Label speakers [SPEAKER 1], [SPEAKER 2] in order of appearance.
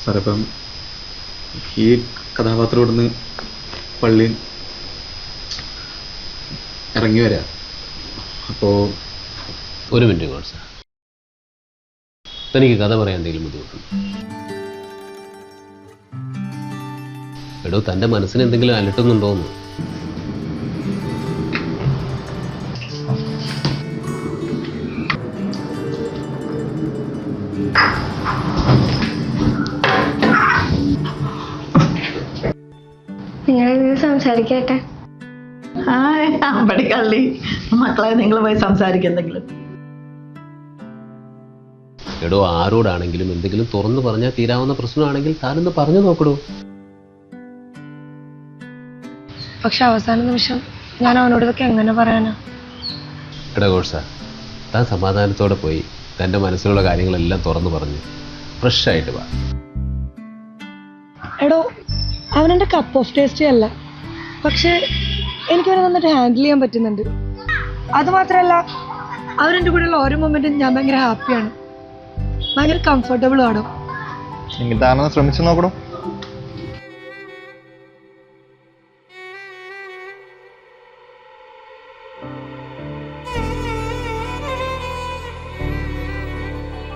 [SPEAKER 1] സാറേ ഇപ്പം ഈ കഥാപാത്രം ഇവിടുന്ന് പള്ളി ഇറങ്ങി വരാം. അപ്പോൾ
[SPEAKER 2] ഒരു മിനിറ്റ് കോഴ്സ്, തനിക്ക് കഥ പറയാൻ എന്തെങ്കിലും ബുദ്ധിമുട്ടുണ്ട്? എടോ, തൻ്റെ മനസ്സിന് എന്തെങ്കിലും അലട്ടുന്നുണ്ടോന്ന്?
[SPEAKER 3] നിങ്ങൾ സംസാരിക്കട്ടെ.
[SPEAKER 4] കള്ളി മക്കളെ, നിങ്ങൾ പോയി സംസാരിക്കെന്തെങ്കിലും.
[SPEAKER 2] എടോ, ആരോടാണെങ്കിലും എന്തെങ്കിലും തുറന്നു പറഞ്ഞാൽ തീരാവുന്ന പ്രശ്നമാണെങ്കിൽ താനൊന്ന് പറഞ്ഞു നോക്കടോ.
[SPEAKER 3] പക്ഷെ അവസാന നിമിഷം ഞാൻ അവനോട് ഇതൊക്കെ എങ്ങനെ പറയാനാ?
[SPEAKER 2] എടാ കോഴ്സ, താൻ സമാധാനത്തോടെ പോയി തൻ്റെ മനസ്സിലുള്ള കാര്യങ്ങളെല്ലാം തുറന്നു പറഞ്ഞ് ഫ്രഷായിട്ട് വാ.
[SPEAKER 3] എടോ, അവനെൻ്റെ കപ്പ് ഓഫ് ടേസ്റ്റ് അല്ല, പക്ഷെ എനിക്കവനെ നന്നായിട്ട് ഹാൻഡിൽ ചെയ്യാൻ പറ്റുന്നുണ്ട്. അതുമാത്രമല്ല, അവരെൻ്റെ കൂടെയുള്ള ഓരോ മൊമെൻറ്റും ഞാൻ ഭയങ്കര ഹാപ്പിയാണ്, ഭയങ്കര കംഫർട്ടബിളും ആണോ.
[SPEAKER 5] താനൊന്ന് ശ്രമിച്ചു നോക്കണോ?